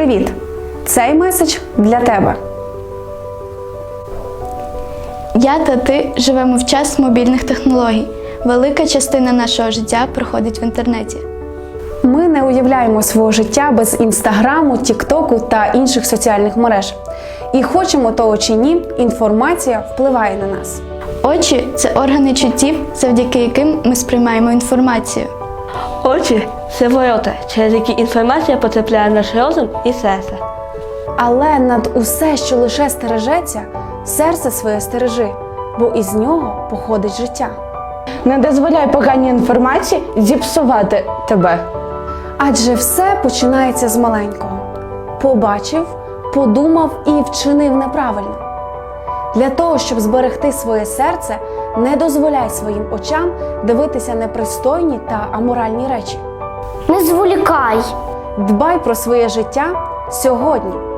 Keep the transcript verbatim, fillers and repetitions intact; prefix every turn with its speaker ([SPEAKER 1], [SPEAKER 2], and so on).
[SPEAKER 1] Привіт! Цей меседж для тебе.
[SPEAKER 2] Я та ти живемо в час мобільних технологій. Велика частина нашого життя проходить в інтернеті.
[SPEAKER 1] Ми не уявляємо свого життя без інстаграму, тіктоку та інших соціальних мереж. І хочемо того чи ні, інформація впливає на нас.
[SPEAKER 2] Очі – це органи чуттів, завдяки яким ми сприймаємо інформацію.
[SPEAKER 3] Очі – це ворота, через які інформація потрапляє в наш розум і серце.
[SPEAKER 1] Але над усе, що лише стережеться, серце своє стережи, бо із нього походить життя.
[SPEAKER 4] Не дозволяй поганій інформації зіпсувати тебе.
[SPEAKER 1] Адже все починається з маленького. Побачив, подумав і вчинив неправильно. Для того, щоб зберегти своє серце, не дозволяй своїм очам дивитися непристойні та аморальні речі.
[SPEAKER 5] Не зволікай.
[SPEAKER 1] Дбай про своє життя сьогодні.